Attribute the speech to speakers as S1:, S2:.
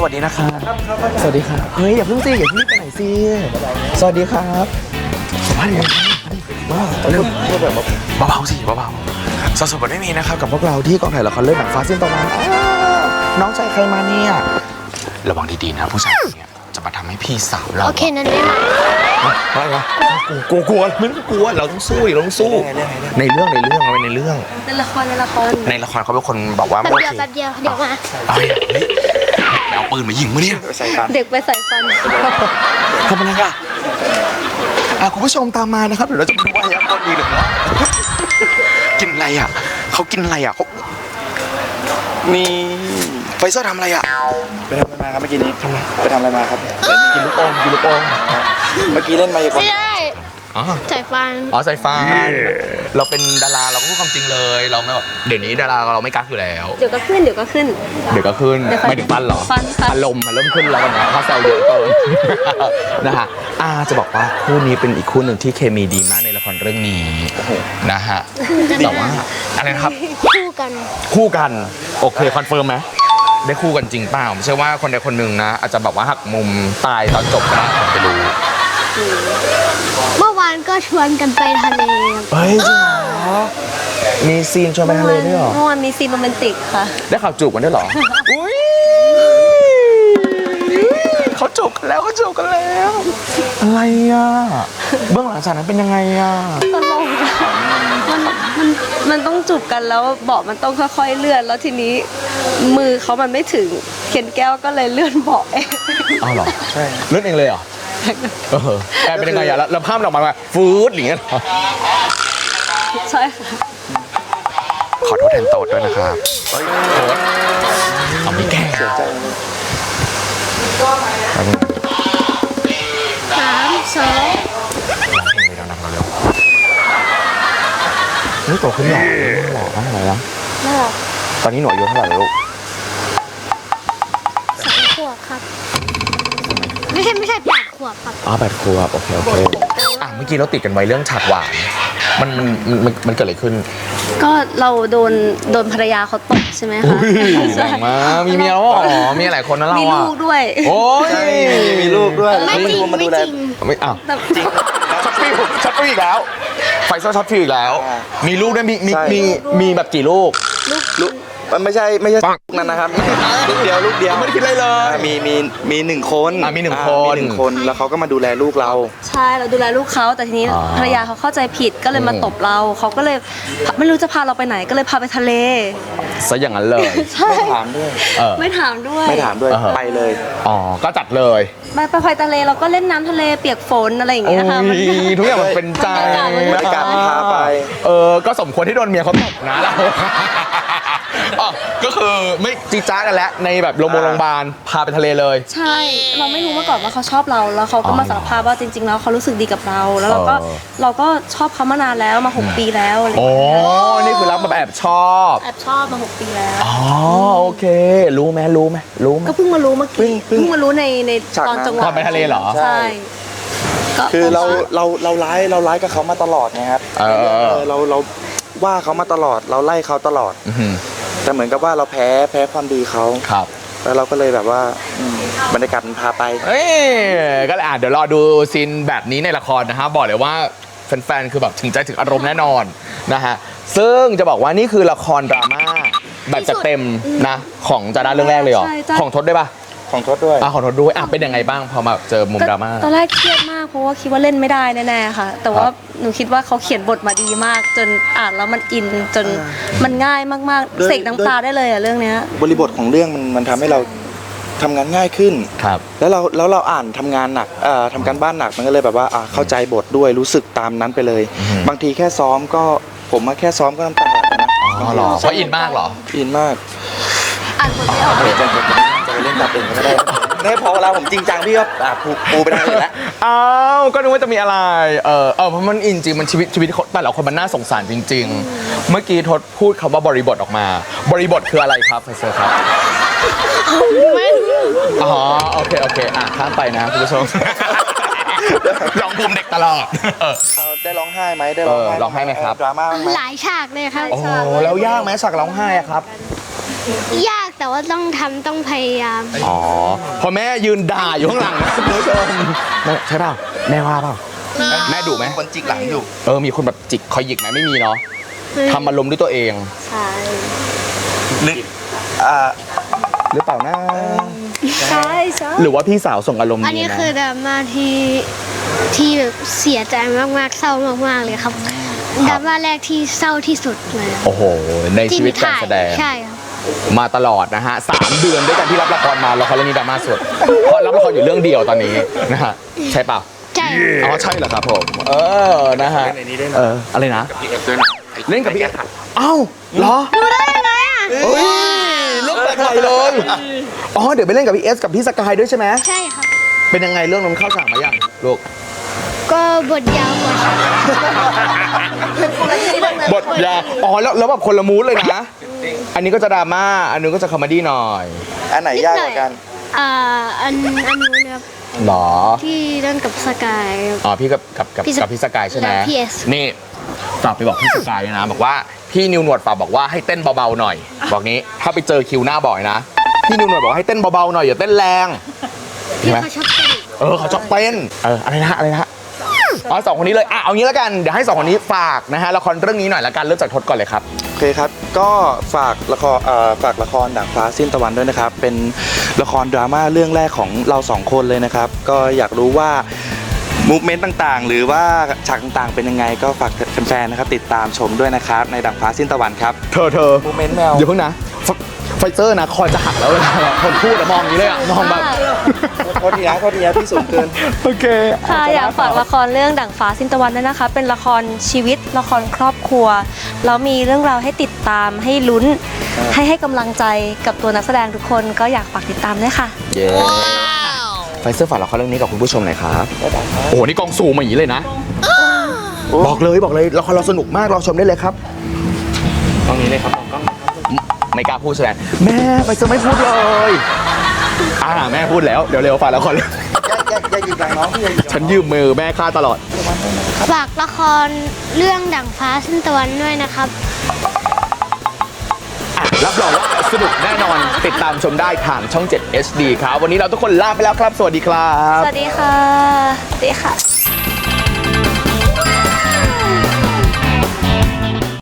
S1: วัสดีนะครับสวัสดีครับเฮ้ยอย่าเพิ่งสิอย่าเพิ่งไปไหนสิสวัสดีครับมาดิมาเร็วแบบเบาๆสิเบาๆสดๆไม่มีนะครับกับพวกเราที่กองถ่ายละครเรื่องหนังฟ้าสิ้นตะวันน้องชายใครมาเนี่ยระวังดีๆนะผู้ชายเนี่ยจะมาทำให้พี่สาวเรา
S2: โอเคนั่นไม่มา
S1: ไม่วะกลัวไม่ต้องกลัวเราต้องสู้เราต้องสู้ในเรื่องเอาไปในเรื่อง
S2: ในละคร
S1: เขาเป็นคนบอกว่า
S2: แป๊บเดียวเดี๋ยวมา
S1: เอาปืนมายิงมั้ยเนี่ย
S2: เด็กไปใส่ฟัน
S1: ทำอะไรอ่ะคุณผู้ชมตามมานะครับเดี๋ยวเราจะไปดูว่ายักษ์ต้นดีหรือเปล่ากินอะไรอ่ะเขากินอะไรอ่ะเขานี่ไฟเซอร์ทำอะไรอ่ะ
S3: ไปทำอะไรมาครับเมื่อกี้นี้ไปทำอะไรมาครับ
S1: กินลูกอม
S3: เมื่อกี้เล่นมายากล
S2: ไม่ได้ใส่ฟัน
S1: ใส่ฟันเราเป็นดาราเราก็พูดความจริงเลยเราไม่แบบเดี๋ยวนี้ดาราเราไม่กักอยู่แล้ว
S2: เดี๋ยวก็ขึ้น
S1: ไม่ถึงฟันหรออารมณ์มันเริ่มขึ้นแล้วนะเพราะแซวเยอะเกินนะฮะจะบอกว่าคู่นี้เป็นอีกคู่หนึ่งที่เคมีดีมากในละครเรื่องนี้นะฮะแต่ว่าอะไรนะครับ
S2: คู่กัน
S1: โอเคคอนเฟิร์มไหมได้คู่กันจริงเปล่าไม่ใช่ว่าคนใดคนหนึ่งนะอาจจะแบบว่าหักมุมตายตอนจบก็ได้ผมจะรู้
S2: เมื่อวานก็ชวนกันไปทะเล
S1: เฮ้ยจริงเหรอมีซีนชวนไปทะเลด้วยเหรอ
S2: เมื่อวานมีซีนโรแมนติกค่ะ
S1: ได้ข่าวจูบกันด้วยเหรออุ้ยเขาจูบกันแล้วอะไรอ่ะเบื้องหลังฉากนั้นเป็นยังไงอ่ะ
S2: ตลกมันต้องจูบกันแล้วเบาะมันต้องค่อยๆเลื่อนแล้วทีนี้มือเขามันไม่ถึงเขียนแก้วก็เลยเลื่อนเบาะเอง
S1: อ้าวเหรอใช่เลื่อนเองเลยเหรอแกเป็นยังไงอ่ะแล้วภาพออกมาฟูดอย่างเงี้ย
S2: ใช่ค่ะ
S1: ขอโทษแทนโต๊ดด้วยนะครับโต๊ดเอาไม่แก้
S3: เสียใจ
S2: 3 2
S1: ดังๆเร็วนี่โตขึ้นหล่อเท่าไหร่แล้วตอนนี้หนูอายุเท่าไหร่แล้วลูก
S2: 3 ขวบครับไม่ใช่8 ขวบครับ
S1: 8 ขวบโอเคเมื่อกี้เราติดกันไว้เรื่องฉากหวานมันเกิดอะไรขึ้น
S2: ก็เราโดนภรรยาเขาตบใช่ไหมคะ
S1: แรงมากมีเมียแล้วมีหลายคนนะเรา
S2: มีลูกด้วย
S1: โอ้ย
S3: มีลูกด้วย
S2: ไม่จริง
S1: ไม่อ้าวช็อตฟิวอีกแล้วไฟเซอร์ช็อตฟิวอีกแล้วมีลูกด้วยมีแบบกี่ลูก
S3: มันไม่ใช่นั่นนะครับลูกเดียว
S1: ไม่ได้คิดอะไรเลย
S3: มี1 คน
S1: มี1
S3: คนแล้วเขาก็มาดูแลลูกเรา
S2: ใช่เราดูแลลูกเขาแต่ทีนี้ภรรยาเขาเข้าใจผิดก็เลยมาตบเราเขาก็เลยไม่รู้จะพาเราไปไหนก็เลยพาไปทะเล
S1: ซะอย่างนั้นเลย
S3: ไม่ถามด้วยไปเลย
S1: ก็จัดเลย
S2: ไปทะเลเราก็เล่นน้ำทะเลเปียกฝนอะไรอย่างเงี้ยค่ะ
S1: ทุกอย่างมันเป็นใจ
S3: บรรยากาศพาไป
S1: ก็สมควรที่โดนเมียเขาตบนะเราก็คือไม่จีจ้ากันแล้วในแบบโรงพยาบาลพาไปทะเลเลย
S2: ใช่เราไม่รู้มาก่อนว่าเขาชอบเราแล้วเขาก็มาสารภาพว่าจริงๆแล้วเขารู้สึกดีกับเราแล้วเราก็ชอบเขามานานแล้วมา6 ปีแล้ว
S1: นี่คือรักแบบแอบชอบ
S2: มา6 ปีแล้ว
S1: โอเครู้ไหม
S2: ก็เพิ่งมารู้เมื่อกี้เพิ่งมารู้ในตอนจังหวะ
S1: ไปทะเลเหรอ
S2: ใช่
S3: คือเราร้ายกับเขามาตลอดนะครับเราว่าเขามาตลอดเราไล่เขาตลอดแต่เหมือนกับว่าเราแพ้ความดีเขา
S1: ครับ
S3: แล้วเราก็เลยแบบว่าบรรยากาศมันพาไป
S1: ก็เลยเดี๋ยวรอดูซีนแบบนี้ในละครนะฮะบอกเลยว่าแฟนๆคือแบบถึงใจถึงอารมณ์แน่นอนนะฮะซึ่งจะบอกว่านี่คือละครดราม่าแบบจัดเต็มนะของจาด้าเรื่องแรกเลยเหรอของทศด้วยปะ
S3: ของทศด้วย
S1: เป็นยังไงบ้างพอมาเจอมุมดราม่า
S2: ตอนแรกเครียดมากเพราะว่าคิดว่าเล่นไม่ได้แน่ๆค่ะแต่ว่าหนูคิดว่าเขาเขียนบทมาดีมากจนอ่านแล้วมันอินจนมันง่ายมากๆเสกน้ำตาได้เลยเรื่องนี้
S3: บริบทของเรื่องมันทำให้เราทำงานง่ายขึ้น
S1: ครับ
S3: แล้วเราอ่านทำงานหนักทำการบ้านหนักมันก็เลยแบบว่าเข้าใจบทด้วยรู้สึกตามนั้นไปเลยบางทีแค่ซ้อมก็ผมมาแค่ซ้อมก็น้ำตาไหลนะ
S1: หรอเพราะอินมากเหรอ
S3: อินมาก
S2: อ่านบทไม่ออก
S3: จะไปเล่นตัดเองก็ได้ไม่พอเวลาผมจริงจังพี่ก็ปูไปได้เลยแล้ว
S1: ก็นึกว่าจะมีอะไรเพราะมันอินจริงมันชีวิตแต่ละคนมันน่าสงสารจริงๆเมื่อกี้ทศพูดคำว่าบริบทออกมาบริบทคืออะไรครับไฟเซอร์ครับโอเคข้ามไปนะคุณผู้ชมร้องภูมิเด็กตลอด
S3: ได้ร้องไห้ไหมได้
S1: ร้องไห้ไหมครับ
S3: ดราม่าไหม
S2: หลายฉากเลยครับ
S1: แล้วยากไหมฉากร้องไห้ครับ
S2: ยาก
S4: แต่ว่าต้องพยายาม
S1: อ๋อพอแม่ยืนด่าอยู่ข้างหลังนะคุณผู้ชมใช่เปล่าแม่ว่าเปล่าแม่ดุไหม
S3: คนจิกหลังอยู่
S1: มีคนแบบจิกคอยหยิกไหมไม่มีเนาะทำอารมณ์ด้วยตัวเอง
S4: ใช่
S1: หรือเปล่านะ
S4: ใช่ใช่
S1: หรือว่าพี่สาวส่งอารมณ์
S4: อัน
S1: ดี
S4: นี้
S1: นะ
S4: คือดราม่าที่แบบเสียใจมากๆเศร้ามากๆเลยครับดราม่าแรกที่เศร้าที่สุดเลย
S1: โอ้โหในชีวิตการแสดง
S4: ใช่ครับ
S1: มาตลอดนะฮะ3 เดือนด้วยกันที่รับละครมาละครเรื่องนี้ดราม่าสุดเพราะรับละครอยู่เรื่องเดียวตอนนี้นะฮะใช่เปล่า
S4: ใช่
S1: อ๋อใช่เหรอครับผมนะฮะอะไรนะเล่นกับพี่เอสเอ้าเหรอ
S4: ดูได้ยังไงอ่ะ
S1: เฮ้ยเรื่องแปลกใหม่เลยอ๋อเดี๋ยวไปเล่นกับพี่เอสกับพี่สกายด้วยใช่ไหม
S4: ใช่ครับ
S1: เป็นยังไงเรื่องนั้นเข้าฉากมายังลูก
S4: ก็บทยาวกว่าฉัน
S1: บทยาอ๋อแล้วแบบคนละมูดเลยนะอันนี้ก็จะดราม่าอันนู้นก็จะคอมเมดี้หน่อย
S3: อันไหนยากกว่ากัน
S4: อันนู้นครับ
S1: หรอ
S4: ที่เล่นกับสกายครับ
S1: อ๋อพี่กับพี่สกายใช่ไหม
S4: และพี่เอส
S1: นี่ฝากไปบอกพี่สกายด้วยนะบอกว่าพี่นิวหนวดฝากบอกว่าให้เต้นเบาๆหน่อย บอกนี้ถ้าไปเจอคิวหน้าบ่อยนะพี่นิวหนวดบอกว่าให้เต้นเบาๆหน่อยอย่าเต้นแรงใช่
S4: ที่
S1: ไหม
S4: เขาชอบเต้น
S1: เขาชอบเต้นอะไรนะอ๋อ2 คนนี้เลยเอางี้แล้วกันเดี๋ยวให้2 คนนี้ฝากนะฮะละครเรื่องนี้หน่อยละกันเริ่มจากทศก่อนเลยครับ
S3: โอเคครับ ก็ฝากละครด่างฟ้าสิ้นตะวันด้วยนะครับ เป็นละครดราม่าเรื่องแรกของเรา2 คนเลยนะครับ ก็อยากรู้ว่ามูฟเมนต์ต่างๆ หรือว่าฉากต่างๆ เป็นยังไง ก็ฝากแฟนๆ นะครับติดตามชมด้วยนะครับ ในด่างฟ้าสิ้นตะวันครับ
S1: เธอ
S3: มูฟเมนต์แมว
S1: อย่าเพิ่งนะไฟเซอร์นะคอจะหักแล้วเลยคนพูดมองอย่างนี้เลยมองแบบ
S3: โทษทีนะพี่สูงเกิน
S1: โอเค
S2: ค่ะอยากฝากละครเรื่องดั่งฟ้าสิ้นตะวันด้วยนะคะ เป็นละครชีวิตละครครอบครัวแล้วมีเรื่องราวให้ติดตามให้ลุ้นให้กำลังใจกับตัวนักแสดงทุกคนก็อยากฝากติดตามด้วยค่ะ
S1: เย้ไฟเซอร์ฝากละครเรื่องนี้กับคุณผู้ชมหน่อยครับโอ้โหนี่กองซูมมาอย่างนี้เลยนะบอกเลยละครเราสนุกมากรอชมได้เลยครับกล้องนี้เลยครับกล้องไม่กล้าพูดแสดงแม่ไฟเซอร์ไม่พูดเลยแม่พูดแล้วเดี๋ยวเร็วฝากละคร
S3: อย่าหยิบหลังน้องพี่อย่าหยิบ
S1: ฉันยืมมือแม่ค่าตลอด
S4: ฝากละครเรื่องดั่งฟ้าสิ้นตะวันด้วยนะครับ
S1: รับรองว่าสนุกแน่นอนติดตามชมได้ทางช่อง 7 HD ครับวันนี้เราทุกคนลาไปแล้วครับสวัสดีครับ
S2: สวัสดีค่ะสวัสดีค่ะ